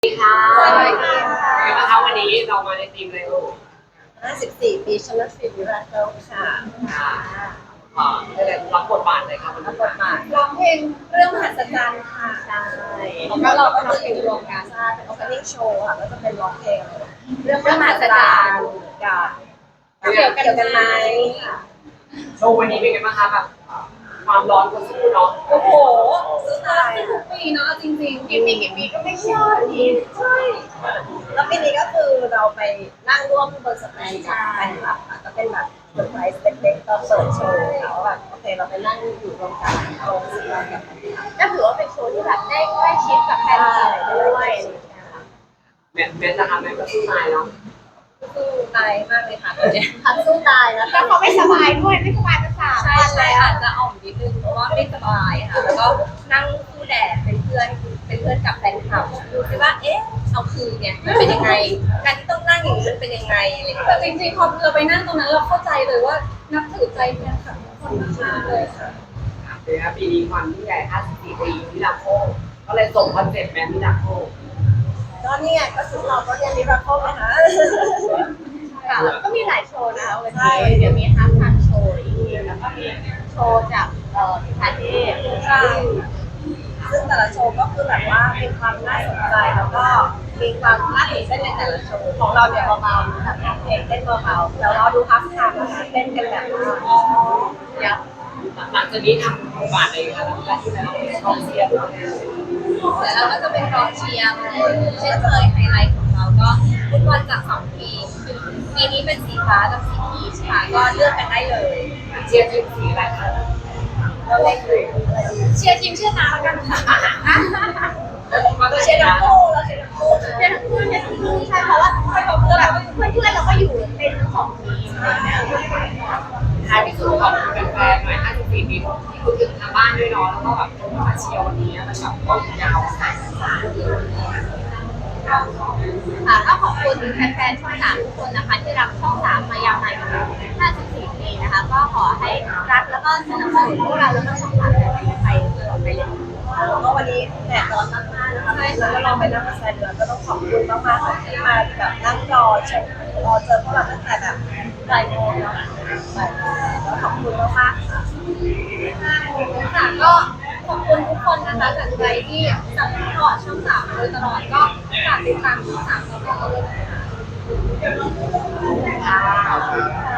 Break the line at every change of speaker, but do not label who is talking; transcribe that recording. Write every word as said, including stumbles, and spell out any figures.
สวัสดีค่ะ
สวัสดีค่ะ
เดี๋ยวนะคะวันนี้เรามาในทีมอะไรเอ่ย
ห้าสิบสี่ปีชนะฟิล์มวิราเคิลค่ะ
ค่ะอ่าได้รับบทบาทเลยค่ะวัน
รั
นี้
บบทบาทร้องเพลงเรื่องมหัศจรรย์ค่ะใช่แล้วเราก็ร้องเพลงรวมกันใช่เป็น opening show ค่ะก็จะเป็นร้องเพลงเรื่องมหัศจรรย์กับเกี่ยวกันเกี่ยวกันไหมค่ะ
โชว์วันนี้เป็นไงบ้างคะแบบความร้อนก็สู้เนาะ
โอ้โหสุดท้าย
ทุกปีเนาะจริงๆ
กี่ปีกี่ปีก็ไม่ใช่ใช่แล้วปีนี้ก็คือเราไปนั่งร่วมบนสเตจกับแฟนคลับค่ะก็เป็นแบบเซอร์ไพรส์เล็กๆตอนเปิดโชว์เขาแบบโอเคเราไปนั่งอยู่รวมกันเรารู้สึกว่าแบบก็ถือว่าเป็นโชว์ที่แบบได้ใกล้ชิดกับแฟนคลับด้วยอะไรอย่างเงี้ยค่ะ
แม่แม่นะคะแม่ก็สู้ตายเนาะ
สู้ตายมากเลยค่ะตอนนี้พักสู้ตายนะ
แต่เขาไม่สบายด้วยไม่สบายภาษา
ใช่ใช่อาจจะอ่อมนิดนึงเพราะว่าไม่สบายค่ะแล้วก็นั่งสู้แดดเป็นเพื่อนเป็นเพื่อนกับแฟนคลับดูสิว่าเอ๊ะเอาคืนเนี่ยมันเป็นยังไงการที่ต้องนั่งอย่างนี้มันเป็นยังไงอะไรอย่างเงี้ย
แต่จริงๆพอเราไปนั่งตรงนั้นเราเข้าใจเลยว่านับถือใจแฟนคลับทุกคนมากๆเลยค่ะ
ค่ะเดี๋ยวปีนี้ความยิ่งใหญ่ห้าสิบสี่ปีมิราโคก็เลยส่งคอนเซ็ปต์แมนมิราโค
ก็นี่ไงก็ชุดเราก็เรียนมิราเคิลนะคะ
ค่ะแล้วก็มีหลายโชว์นะคะวันนี้เดี๋ยวมีฮาร์ดทันโชว์อีกแล้วก็มีโชว์จากเอ่อพิพาเทพ
ใช่ซึ่งแต่ละโชว์ก็คือแบบว่ามีความน่าสนใจแล้วก็มีความน่าตื่นเต้นในแต่ละโชว์ของเราเนี่ยเบาๆแบบเพลงเต้นเบาๆแล้วเราดูฮับทามนะคะเต้นกันแบบยับ
หลังจากนี้ทำบทบาทอะไรคะหลังจากที่แล้วกองเชียร์ด้วย
แต่เราก็จะเป็นกองเชียร์เช่นเคยไฮไลท์ของเราก็ฟุตบอลจากสองทีมปีนี้เป็นสีฟ้ากับสีพีชค่ะก็เลือกกันได้เลย
เชียร์ทีมสีอะไรคะ
เราเล่นอยู่
เชียร์ทีมเชียร์น้ำแล้วกันค่ะ
เราเชียร์ทั้งคู่เราเชียร์ทั้งคู่
เชียร์ทั้งคู่เชียร์ทั้งคู่ใช่เพราะว่าเพื่อนเราเพื่อนเพื่อนเราก็อยู่เป็นทั้งสองทีมอะไรเงี้ย
ท้ายที่สุดขอบคุณแฟนๆหน่อยห้าสิบสี่ปีที่คุณถึงทางบ้านด้วยเนาะแล้วก็แบบมาเชียร์วันนี้มันแบบต้นยาวสายสาย
ค่ะก็ขอบคุณแฟนๆช่องสามทุกคนนะคะที่รักช่องสามมายาวนานห้าสิบสี่ปีนะคะ ก็ขอให้รักแล้วก็สนับสนุนพวกเราแล้วก็ช่องสามไปตลอดไปเลย
แล้วก็วันนี้แดดร้อนมากๆนะคะแล้วเราไปนั่งมาแซนเดือนก็ต้องขอบคุณมากๆค่ะที่มาแบบนั่งรอชมรอเจอพวกเราตั้งแต่แบบบ่ายโมงเนาะบ่ายโมงแล้วขอบคุณมากๆค่ะ
ค่ะก็ขอบคุณทุกคนนะคะจากใจที่ซัพพอร์ตช่องสามมาโดยตลอดก็ฝากติดตามช่องสามต่อไปเลยนะคะ
ค่ะ